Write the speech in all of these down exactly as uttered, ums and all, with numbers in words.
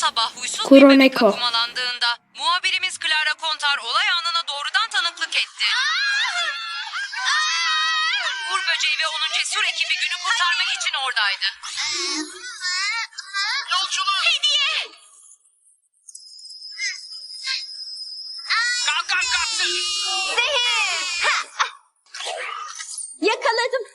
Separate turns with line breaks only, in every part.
sabah huysuz bir bebek
Kuroneko.
akumalandığında muhabirimiz Clara Kontar olay anına doğrudan tanıklık etti. Uğur Böceği ve onun cesur ekibi günü kurtarmak için oradaydı.
Yolculuk.
Hediye!
Kalk kalk kalk.
Yakaladım.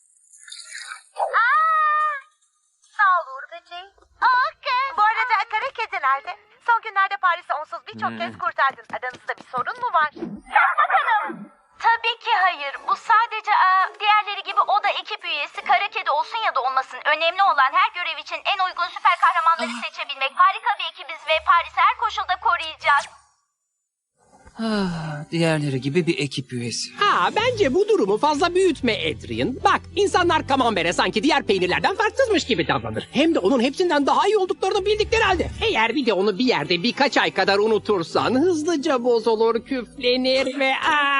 Sağ ol Uğur Böceği. Bu arada kara kedi nerede? Son günlerde Paris'i onsuz birçok kez kurtardın. Aranızda bir sorun mu var? Bakalım. Tabii ki hayır. Bu sadece aa, diğerleri gibi o da ekip üyesi. Kara kedi olsun ya da olmasın. Önemli olan her görev için en uygun süper kahramanları seçebilmek. Harika bir ekibiz ve Paris'i her koşulda koruyacağız.
Ah, diğerleri gibi bir ekip üyesi.
Ha, bence bu durumu fazla büyütme Adrian. Bak, insanlar Camembert'e sanki diğer peynirlerden farksızmış gibi davranır. Hem de onun hepsinden daha iyi olduklarını bildikleri halde. Eğer bir de onu bir yerde birkaç ay kadar unutursan hızlıca bozulur, küflenir ve... Aa...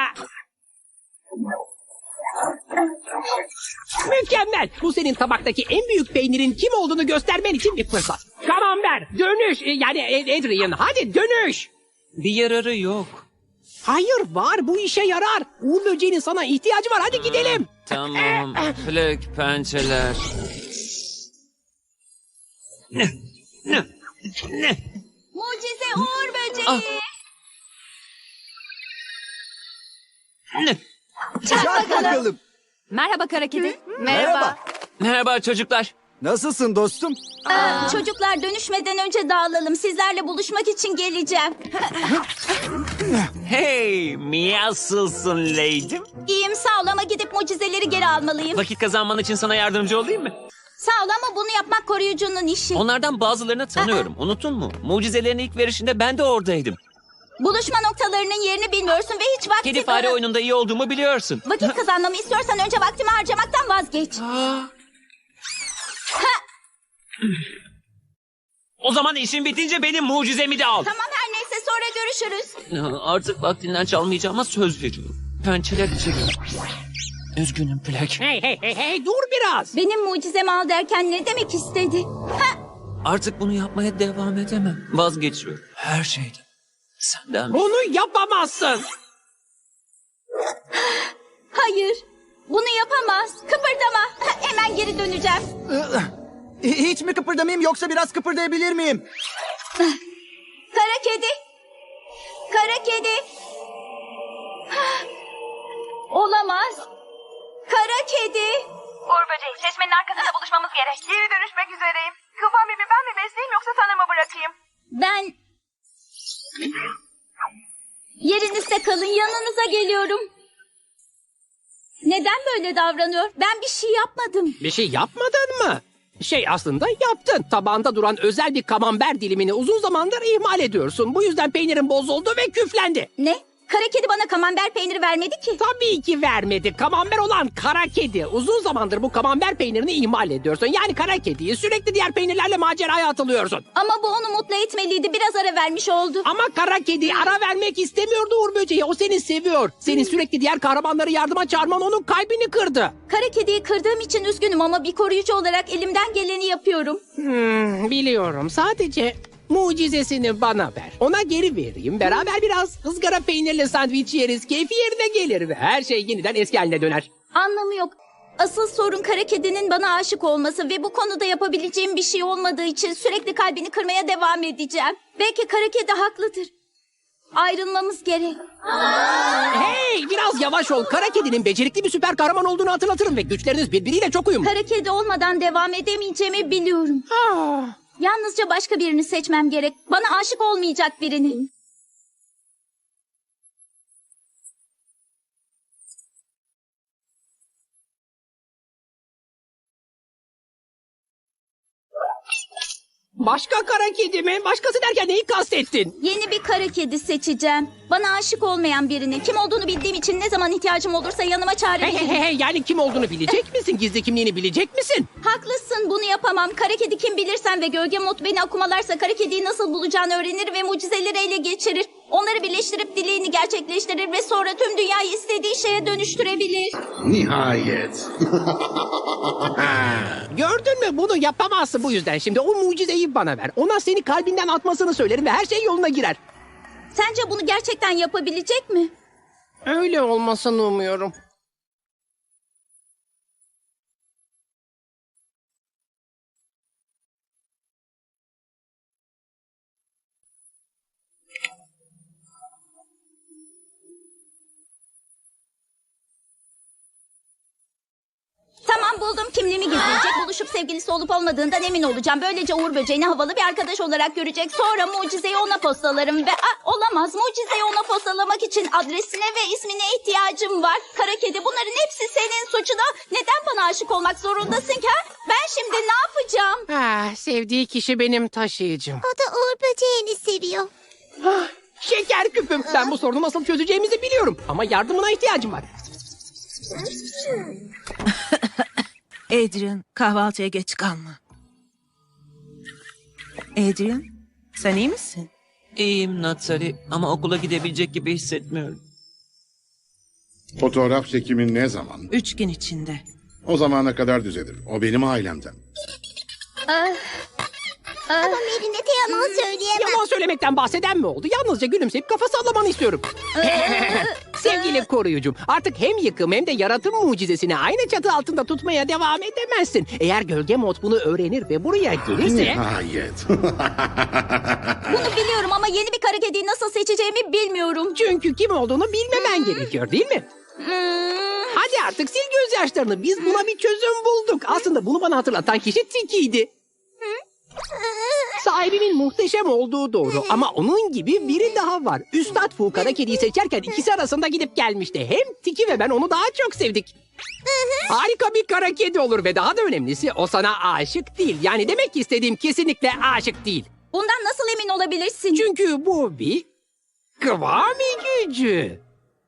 Mükemmel. Bu senin tabaktaki en büyük peynirin kim olduğunu göstermen için bir fırsat. Camembert, dönüş. Yani Adrian, hadi dönüş.
Bir yararı yok.
Hayır var, bu işe yarar. Uğur Böceği'nin sana ihtiyacı var, hadi gidelim.
Tamam. Flek pençeler. Ne? Ne? Ne?
Mucize Uğur Böceği.
Ah. Ne?
Çak bakalım.
Merhaba kara kedi.
Merhaba.
Merhaba çocuklar.
Nasılsın dostum?
Aa, çocuklar dönüşmeden önce dağılalım. Sizlerle buluşmak için geleceğim.
Hey, nasılsın Leydim?
İyiyim sağ ol ama gidip mucizeleri geri almalıyım.
Vakit kazanman için sana yardımcı olayım mı?
Sağ ol ama bunu yapmak koruyucunun işi.
Onlardan bazılarını tanıyorum. Unuttun mu? Mucizelerin ilk verişinde ben de oradaydım.
Buluşma noktalarının yerini bilmiyorsun ve hiç vakti...
Kedi fare oyununda iyi olduğumu biliyorsun.
Vakit kazanmamı istiyorsan önce vaktimi harcamaktan vazgeç.
O zaman işin bitince benim mucizemi de al.
Tamam her neyse sonra görüşürüz.
Artık vaktinden çalmayacağıma söz veriyorum. Pençeler içeri. Üzgünüm Plek.
Hey hey hey hey, dur biraz.
Benim mucizemi al derken ne demek istedi? Ha,
Artık bunu yapmaya devam edemem. Vazgeçiyorum. Her şeyden. Senden.
Bunu yapamazsın.
hayır bunu yapamaz. Kıpırdama. Ha, hemen geri döneceğim.
Hiç mi kıpırdamayayım yoksa biraz kıpırdayabilir miyim?
Kara kedi. Kara kedi. Ha, olamaz. Kara kedi.
Uğur Böceği, çeşmenin arkasında buluşmamız gerek. Geri dönüşmek üzereyim. Kıvami mi ben mi besleyeyim yoksa sana mı bırakayım?
Ben... Yerinizde kalın, yanınıza geliyorum. Neden böyle davranıyor? Ben bir şey yapmadım.
Bir şey yapmadın mı? Şey aslında yaptın. Tabağında duran özel bir kamembert dilimini uzun zamandır ihmal ediyorsun. Bu yüzden peynirin bozuldu ve küflendi.
Ne? Kara kedi bana kamembert peyniri vermedi ki.
Tabii ki vermedi. Kamembert olan kara kedi. Uzun zamandır bu kamembert peynirini ihmal ediyorsun. Yani kara kediyi sürekli diğer peynirlerle maceraya atılıyorsun.
Ama bu onu mutlu etmeliydi. Biraz ara vermiş oldu.
Ama kara kedi ara vermek istemiyordu Uğur Böceği. O seni seviyor. Senin sürekli diğer kahramanları yardıma çağırman onun kalbini kırdı.
Kara kediyi kırdığım için üzgünüm ama bir koruyucu olarak elimden geleni yapıyorum.
Hmm, biliyorum. Sadece mucizesini bana ver. Ona geri vereyim. Beraber biraz ızgara peynirli sandviç yeriz. Keyfi yerine gelir ve her şey yeniden eski haline döner.
Anlamı yok. Asıl sorun kara kedinin bana aşık olması ve bu konuda yapabileceğim bir şey olmadığı için sürekli kalbini kırmaya devam edeceğim. Belki kara kedi haklıdır. Ayrılmamız gerek.
Hey, biraz yavaş ol. Kara kedinin becerikli bir süper kahraman olduğunu hatırlatırım ve güçleriniz birbiriyle çok uyumlu.
Kara kedi olmadan devam edemeyeceğimi biliyorum.
Ah.
Yalnızca başka birini seçmem gerek. Bana aşık olmayacak birini.
Başka kara kedi mi? Başkası derken neyi kastettin?
Yeni bir kara kedi seçeceğim. Bana aşık olmayan birini. Kim olduğunu bildiğim için ne zaman ihtiyacım olursa yanıma
Hey hey
çağırabilirim.
hey, hey, yani kim olduğunu bilecek misin? Gizli kimliğini bilecek misin?
Haklısın, bunu yapamam. Kara kedi kim bilirsen ve gölge mod beni akumalarsa kara kediyi nasıl bulacağını öğrenir ve mucizeleri ele geçirir.
Onları birleştirip dileğini gerçekleştirir ve sonra tüm dünyayı istediği şeye dönüştürebilir.
Nihayet.
Gördün mü, bunu yapamazsın bu yüzden. Şimdi o mucizeyi bana ver. Ona seni kalbinden atmasını söylerim ve her şey yoluna girer.
Sence bunu gerçekten yapabilecek mi?
Öyle olmasını umuyorum.
Tamam, buldum. Kimliğimi gizleyecek. Buluşup sevgilisi olup olmadığından emin olacağım. Böylece Uğur Böceğini havalı bir arkadaş olarak görecek. Sonra mucizeyi ona postalarım ve... Aa, olamaz. Mucizeyi ona postalamak için adresine ve ismine ihtiyacım var. Kara kedi, bunların hepsi senin suçuna. Neden bana aşık olmak zorundasın ki? Ha? Ben şimdi ne yapacağım?
Ah, sevdiği kişi benim taşıyıcım.
O da Uğur böceğini seviyor.
Ah, şeker küpüm. Ben bu sorunu nasıl çözeceğimizi biliyorum. Ama yardımına ihtiyacım var.
Adrian, kahvaltıya geç kalma. Adrian, sen iyi misin?
İyiyim Natsali ama okula gidebilecek gibi hissetmiyorum.
Fotoğraf çekimi ne zaman?
Üç gün içinde.
O zamana kadar düzelir. O benim ailemden.
Ama Mary'ne de yalan söyleyemem.
Yalan söylemekten bahseden mi oldu? Yalnızca gülümseyip kafa sallamanı istiyorum. Sevgili koruyucum, artık hem yıkım hem de yaratım mucizesini aynı çatı altında tutmaya devam edemezsin. Eğer gölge mod bunu öğrenir ve buraya gelirse...
Nihayet.
Bunu biliyorum ama yeni bir kara kediyi nasıl seçeceğimi bilmiyorum.
Çünkü kim olduğunu bilmemen gerekiyor, değil mi?
Hmm.
Hadi artık sil gözyaşlarını. Biz buna bir çözüm bulduk. Aslında bunu bana hatırlatan kişi Tiki'ydi. Sahibimin muhteşem olduğu doğru ama onun gibi biri daha var. Üstad Fu kara kediyi seçerken ikisi arasında gidip gelmişti. Hem Tiki ve ben onu daha çok sevdik. Harika bir kara kedi olur ve daha da önemlisi o sana aşık değil. Yani demek ki istediğim kesinlikle aşık değil.
Bundan nasıl emin olabilirsin?
Çünkü bu bir kıvami gücü.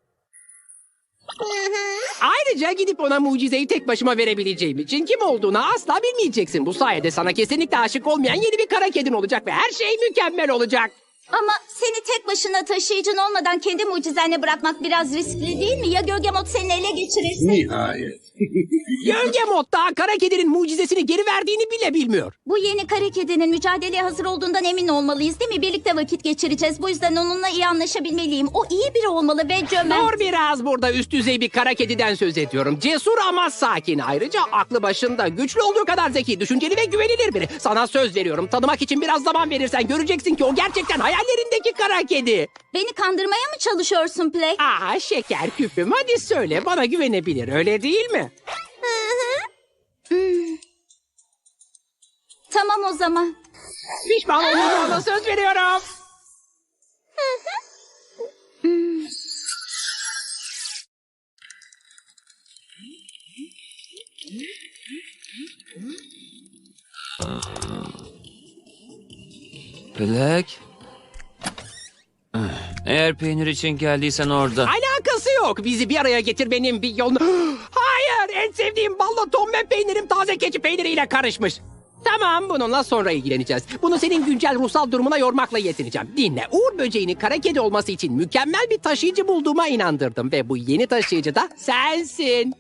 Ayrıca gidip ona mucizeyi tek başıma verebileceğim için kim olduğunu asla bilmeyeceksin. Bu sayede sana kesinlikle aşık olmayan yeni bir kara kedin olacak ve her şey mükemmel olacak.
Ama seni tek başına taşıyıcın olmadan kendi mucizenle bırakmak biraz riskli değil mi? Ya gölge mod seni ele geçirirse?
Nihayet.
Gölge mod daha kara kedinin mucizesini geri verdiğini bile bilmiyor.
Bu yeni kara kedinin mücadeleye hazır olduğundan emin olmalıyız değil mi? Birlikte vakit geçireceğiz. Bu yüzden onunla iyi anlaşabilmeliyim. O iyi biri olmalı ve cömert.
Dur biraz, burada üst düzey bir kara kediden söz ediyorum. Cesur ama sakin. Ayrıca aklı başında, güçlü olduğu kadar zeki, düşünceli ve güvenilir biri. Sana söz veriyorum. Tanımak için biraz zaman verirsen göreceksin ki o gerçekten hayallerindeki kara kedi.
Beni kandırmaya mı çalışıyorsun Plek?
Aa, şeker küpüm, hadi söyle, bana güvenebilir, öyle değil mi?
Hmm. Tamam o zaman.
Pişman olmayacağına söz veriyorum.
Black. Eğer peynir için geldiysen orada.
Alakası yok. Bizi bir araya getirmenin bir yolunu... Hayır! En sevdiğim ballı ton ve peynirim taze keçi peyniriyle karışmış. Tamam, bununla sonra ilgileneceğiz. Bunu senin güncel ruhsal durumuna yormakla yetineceğim. Dinle, Uğur böceğini kara kedi olması için mükemmel bir taşıyıcı bulduğuma inandırdım. Ve bu yeni taşıyıcı da sensin.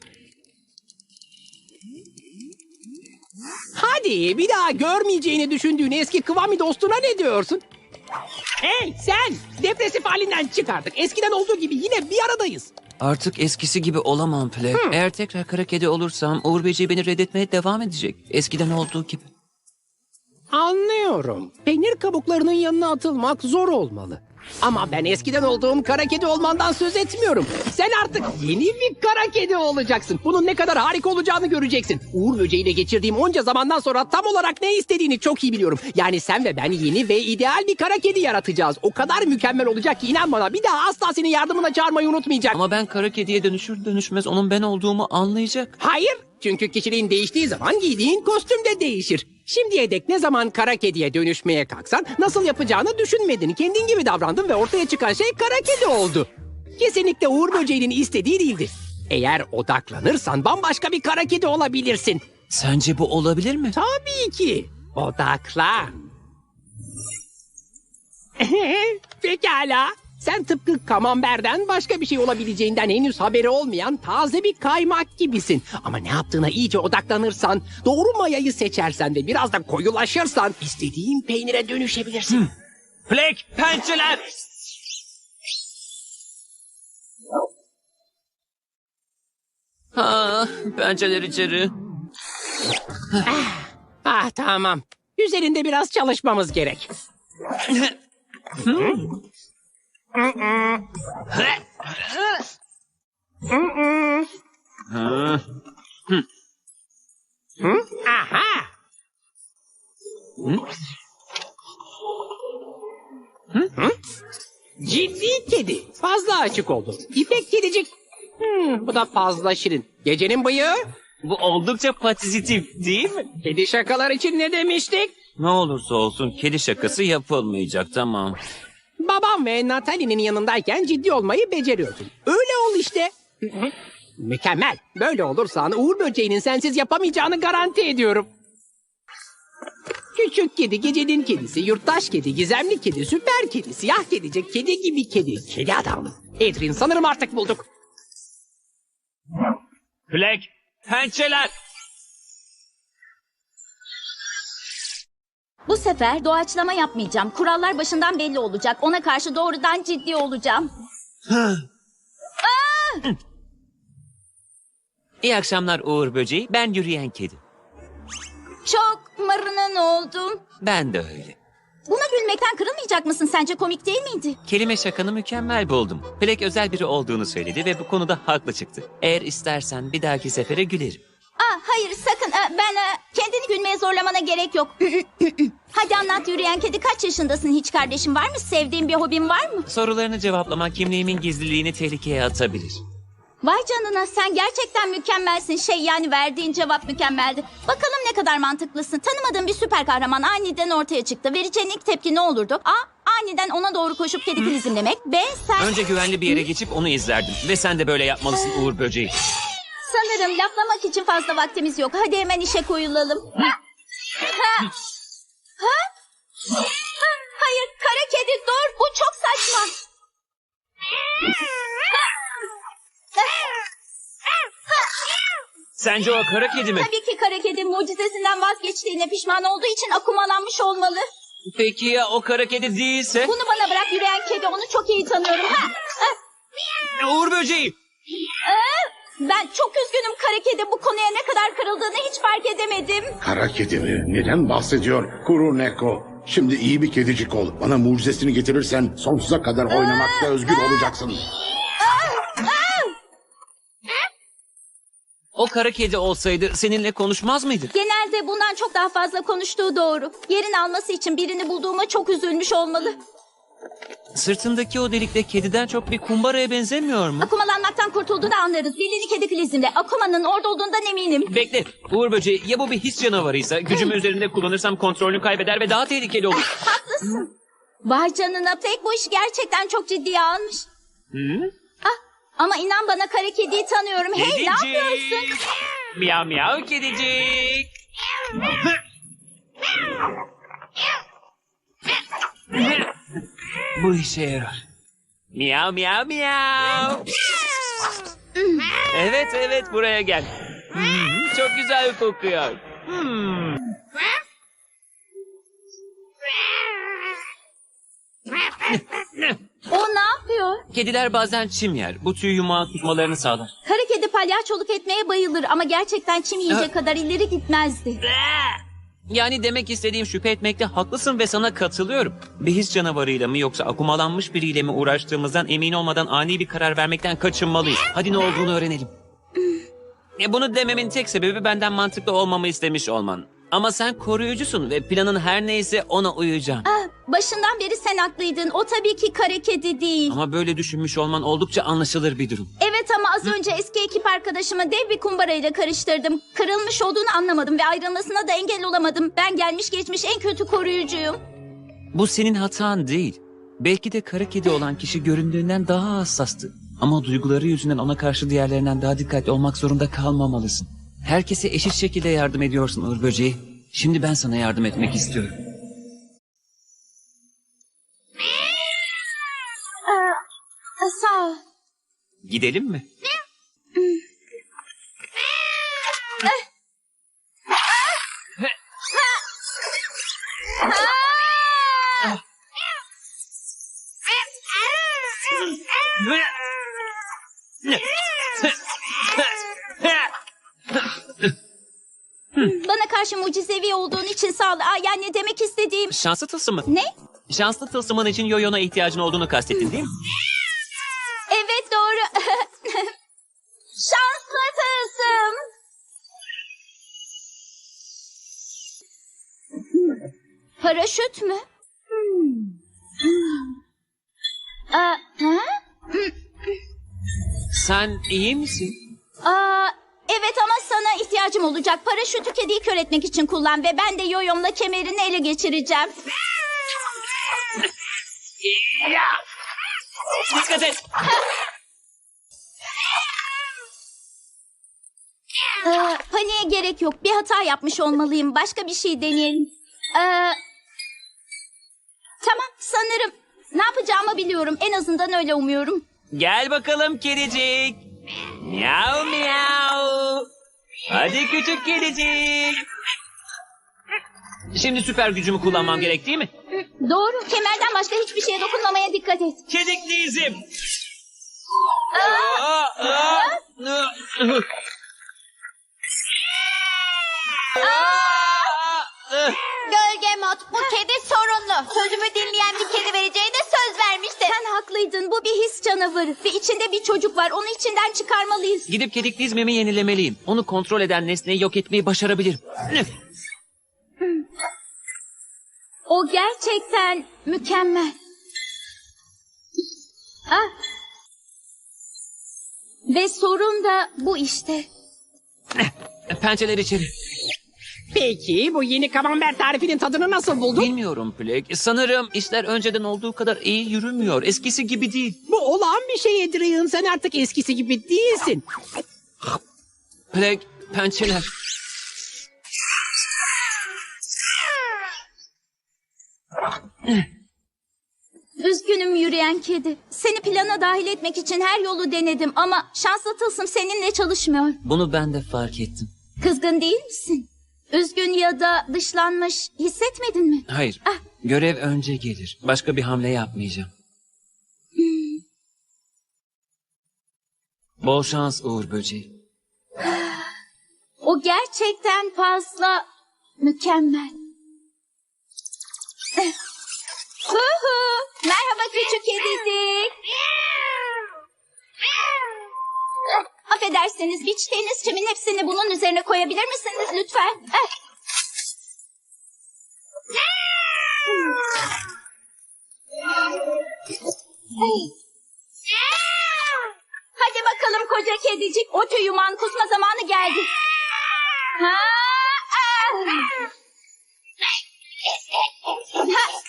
Hadi bir daha görmeyeceğini düşündüğün eski Kıvami dostuna ne diyorsun? Hey sen! Depresif halinden çıkardık. Eskiden olduğu gibi yine bir aradayız.
Artık eskisi gibi olamam Plek. Eğer tekrar kara kedi olursam Uğur Böceği beni reddetmeye devam edecek. Eskiden olduğu gibi.
Anlıyorum. Peynir kabuklarının yanına atılmak zor olmalı. Ama ben eskiden olduğum kara kedi olmandan söz etmiyorum. Sen artık yeni bir kara kedi olacaksın. Bunun ne kadar harika olacağını göreceksin. Uğur böceğiyle geçirdiğim onca zamandan sonra tam olarak ne istediğini çok iyi biliyorum. Yani sen ve ben yeni ve ideal bir kara kedi yaratacağız. O kadar mükemmel olacak ki inan bana, bir daha asla senin yardımına çağırmayı unutmayacak.
Ama ben kara kediye dönüşür dönüşmez onun ben olduğumu anlayacak.
Hayır. Çünkü kişiliğin değiştiği zaman giydiğin kostüm de değişir. Şimdiye dek ne zaman kara kediye dönüşmeye kalksan nasıl yapacağını düşünmedin. Kendin gibi davrandın ve ortaya çıkan şey kara kedi oldu. Kesinlikle Uğur böceğinin istediği değildir. Eğer odaklanırsan bambaşka bir kara kedi olabilirsin.
Sence bu olabilir mi?
Tabii ki. Odaklan. Pekala. Sen tıpkı kamamberden başka bir şey olabileceğinden henüz haberi olmayan taze bir kaymak gibisin. Ama ne yaptığına iyice odaklanırsan, doğru mayayı seçersen ve biraz da koyulaşırsan istediğin peynire dönüşebilirsin.
Plek, pençeler! Ah, pençeler içeri.
Ah tamam. Üzerinde biraz çalışmamız gerek. Aha! Ciddi kedi. Fazla açık oldu. İpek kedicik. Hmm, bu da fazla şirin. Gecenin bıyığı.
Bu oldukça pozitif değil mi?
Kedi şakalar için ne demiştik?
Ne olursa olsun kedi şakası yapılmayacak, tamam.
Babam ve Natalie'nin yanındayken ciddi olmayı beceriyordun. Öyle ol işte. Mükemmel. Böyle olursan Uğur Böceği'nin sensiz yapamayacağını garanti ediyorum. Küçük kedi, gecenin kedisi, yurttaş kedi, gizemli kedi, süper kedi, siyah kedicik, kedi gibi kedi, kedi adam. Adrian sanırım artık bulduk.
Plek, pençeler!
Bu sefer doğaçlama yapmayacağım. Kurallar başından belli olacak. Ona karşı doğrudan ciddi olacağım.
İyi akşamlar Uğur Böceği, ben yürüyen kedi.
Çok marının oldum.
Ben de öyle.
Buna gülmekten kırılmayacak mısın? Sence komik değil miydi?
Kelime şakanı mükemmel buldum. Plek özel biri olduğunu söyledi ve bu konuda haklı çıktı. Eğer istersen bir dahaki sefere gülerim.
Aa, hayır sakın. Aa, ben aa, kendini gülmeye zorlamana gerek yok. Hadi anlat yürüyen kedi, kaç yaşındasın? Hiç kardeşin var mı? Sevdiğin bir hobin var mı?
Sorularını cevaplamak kimliğimin gizliliğini tehlikeye atabilir.
Vay canına, sen gerçekten mükemmelsin. Şey, yani verdiğin cevap mükemmeldi. Bakalım ne kadar mantıklısın. Tanımadığın bir süper kahraman aniden ortaya çıktı. Vereceğin ilk tepki ne olurdu? A. Aniden ona doğru koşup kedi filizimlemek. B. Sen...
Önce güvenli bir yere geçip onu izlerdim. Ve sen de böyle yapmalısın Uğur Böceği.
Sanırım laflamak için fazla vaktimiz yok. Hadi hemen işe koyulalım. Ha? Ha? Ha? Ha? Hayır, kara kedi dur. Bu çok saçma.
Sence o kara kedi mi?
Tabii ki kara kedi mucizesinden vazgeçtiğine pişman olduğu için akumalanmış olmalı.
Peki ya o kara kedi değilse?
Bunu bana bırak, yürüyen kedi, onu çok iyi tanıyorum. Ha? Ha?
Uğur Böceği!
Aa, ben çok üzgünüm kara kedi. Bu konuya ne kadar kırıldığını hiç fark edemedim.
Kara kedi mi? Neden bahsediyor? Kuru Neko. Şimdi iyi bir kedicik ol. Bana mucizesini getirirsen sonsuza kadar oynamakta özgür olacaksın.
O kara kedi olsaydı seninle konuşmaz mıydı?
Genelde bundan çok daha fazla konuştuğu doğru. Yerin alması için birini bulduğuma çok üzülmüş olmalı.
Sırtındaki o delikte kediden çok bir kumbaraya benzemiyor mu?
Akumalanmaktan kurtulduğunu anlarız. Dilini kedi filizimle. Akumanın orada olduğundan eminim.
Bekle. Uğur Böceği, ya bu bir his canavarıysa gücümü üzerinde kullanırsam kontrolünü kaybeder ve daha tehlikeli olur.
Haklısın. Vay canına, pek bu işi gerçekten çok ciddiye almış.
Hı?
Ah, ama inan bana kara kediyi tanıyorum. Hey, ne yapıyorsun?
Miyav miyav kedicik. Bu işe yarar. Miyav miyav miyav. Evet evet, buraya gel. Hmm, çok güzel kokuyor. Hmm.
O ne yapıyor?
Kediler bazen çim yer. Bu tüy yumağı tutmalarını sağlar.
Kara kedi palyaçoluk etmeye bayılır ama gerçekten çim yiyecek
Ha.
kadar ileri gitmezdi.
Yani demek istediğim, şüphe etmekte haklısın ve sana katılıyorum. Bir his canavarıyla mı yoksa akumalanmış biriyle mi uğraştığımızdan emin olmadan ani bir karar vermekten kaçınmalıyız. Hadi ne olduğunu öğrenelim. E bunu dememin tek sebebi benden mantıklı olmamı istemiş olman. Ama sen koruyucusun ve planın her neyse ona uyacağım.
Ah, başından beri sen haklıydın. O tabii ki kara kedi değil.
Ama böyle düşünmüş olman oldukça anlaşılır bir durum.
Evet ama az önce eski ekip arkadaşımı dev bir kumbarayla karıştırdım. Kırılmış olduğunu anlamadım ve ayrılmasına da engel olamadım. Ben gelmiş geçmiş en kötü koruyucuyum.
Bu senin hatan değil. Belki de kara kedi olan kişi göründüğünden daha hassastı. Ama duyguları yüzünden ona karşı diğerlerinden daha dikkatli olmak zorunda kalmamalısın. Herkese eşit şekilde yardım ediyorsun Uğur Böceği. Şimdi ben sana yardım etmek istiyorum.
Aa, Sağ ol.
Gidelim mi?
Bana karşı mucizevi olduğun için sağ ol. Aa, yani demek istediğim...
Şanslı tılsımı.
Ne?
Şanslı tılsımın için yoyona ihtiyacın olduğunu kastettin değil mi?
Evet doğru. Şanslı tılsım. Paraşüt mü? Aa, ha?
Sen iyi misin?
Aa, evet ama sana ihtiyacım olacak. Paraşütü kediyi kör etmek için kullan ve ben de yoyomla kemerini ele geçireceğim.
Dikkat et.
Ee, paniğe gerek yok. Bir hata yapmış olmalıyım. Başka bir şey deneyelim. Ee, tamam sanırım. Ne yapacağımı biliyorum. En azından öyle umuyorum.
Gel bakalım kedicik. Miau miau. Hadi küçük kedicik. Şimdi süper gücümü kullanmam gerek değil mi?
Doğru. Kemerden başka hiçbir şeye dokunmamaya dikkat et.
Kedikli izim. Aa, aa, aa.
Gölge Mod, bu kedi sorunlu. Sözümü dinleyen bir kedi vereceğine söz vermişti.
Sen haklıydın. Bu bir his canavarı. Ve içinde bir çocuk var. Onu içinden çıkarmalıyız.
Gidip kedikli izmimi yenilemeliyim. Onu kontrol eden nesneyi yok etmeyi başarabilirim.
O gerçekten mükemmel. Ah. Ve sorun da bu işte.
Pençeler içeri.
Peki bu yeni kamembert tarifinin tadını nasıl buldun?
Bilmiyorum Plek. Sanırım işler önceden olduğu kadar iyi yürümüyor. Eskisi gibi değil.
Bu olağan bir şey Adrian. Sen artık eskisi gibi değilsin.
Plek, pençeler.
Üzgünüm yürüyen kedi. Seni plana dahil etmek için her yolu denedim ama şanslı tılsım seninle çalışmıyor.
Bunu ben de fark ettim.
Kızgın değil misin? Üzgün ya da dışlanmış hissetmedin mi?
Hayır.
Ah.
Görev önce gelir. Başka bir hamle yapmayacağım. Bol şans Uğur Böceği.
O gerçekten fazla mükemmel. Eh. Hu hu. Merhaba küçük kedicik. Eh, Affedersiniz biçtiğiniz çimin hepsini bunun üzerine koyabilir misiniz lütfen? Eh. Hey. Hadi bakalım koca kedicik. O tüy yumağın kusma zamanı geldi. Ha, ah. Ha.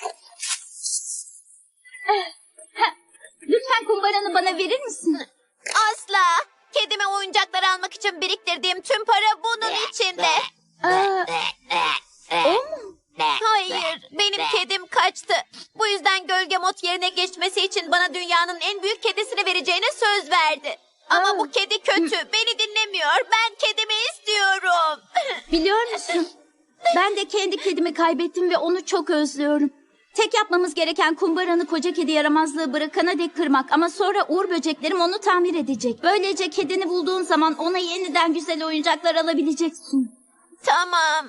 Ha. Lütfen kumbaranı bana verir misin?
Asla. Kedime oyuncaklar almak için biriktirdiğim tüm para bunun içinde.
Aa, o mu?
Hayır, benim kedim kaçtı. Bu yüzden Gölge Mod yerine geçmesi için bana dünyanın en büyük kedisini vereceğine söz verdi. Ama
Aa.
bu kedi kötü, beni dinlemiyor. Ben kedimi istiyorum.
Biliyor musun? Ben de kendi kedimi kaybettim ve onu çok özlüyorum. Tek yapmamız gereken kumbaranı koca kedi yaramazlığı bırakana dek kırmak. Ama sonra uğur böceklerim onu tamir edecek. Böylece kedini bulduğun zaman ona yeniden güzel oyuncaklar alabileceksin.
Tamam.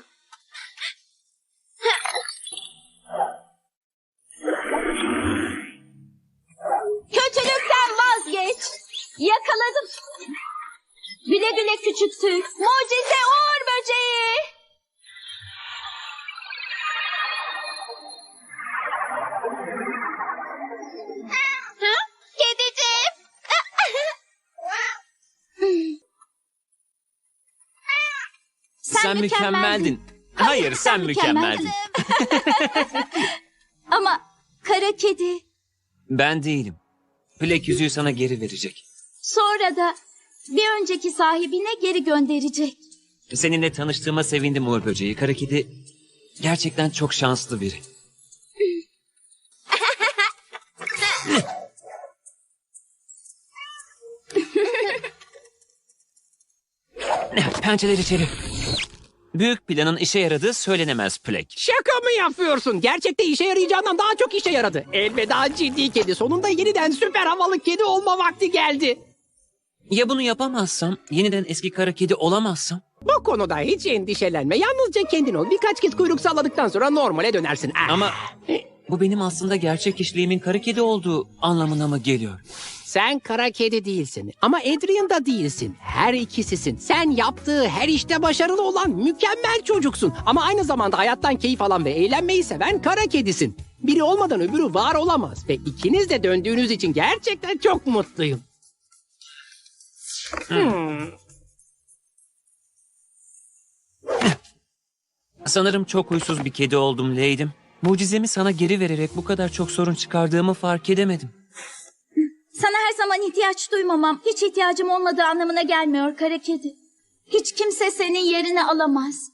Kötülükten vazgeç. Yakaladım. Güle güle küçük tüy. Mucize uğur böceği.
Kediciğim.
Sen,
Sen mükemmeldin. Hayır, sen mükemmeldin.
Ama kara kedi
Ben değilim. Plek yüzüğü sana geri verecek.
sonra da bir önceki sahibine geri gönderecek.
Seninle tanıştığıma sevindim Uğur Böceği. Kara kedi gerçekten çok şanslı biri. Pençeler içeri. Büyük planın işe yaradığı söylenemez Plek.
Şaka mı yapıyorsun? Gerçekte işe yarayacağından daha çok işe yaradı. Elveda ciddi kedi. Sonunda yeniden süper havalı kedi olma vakti geldi.
Ya bunu yapamazsam, yeniden eski kara kedi olamazsam?
Bu konuda hiç endişelenme. Yalnızca kendin ol. Birkaç kez kuyruk salladıktan sonra normale dönersin. Ah.
Ama bu benim aslında gerçek kişiliğimin kara kedi olduğu anlamına mı geliyor?
Sen kara kedi değilsin ama Adrian da değilsin. Her ikisisin. Sen yaptığı her işte başarılı olan mükemmel çocuksun. Ama aynı zamanda hayattan keyif alan ve eğlenmeyi seven kara kedisin. Biri olmadan öbürü var olamaz. Ve ikiniz de döndüğünüz için gerçekten çok mutluyum. Hmm.
Sanırım çok huysuz bir kedi oldum Leydim. Mucizemi sana geri vererek bu kadar çok sorun çıkardığımı fark edemedim.
Sana her zaman ihtiyaç duymamam, hiç ihtiyacım olmadığı anlamına gelmiyor kara kedi. Hiç kimse senin yerini alamaz.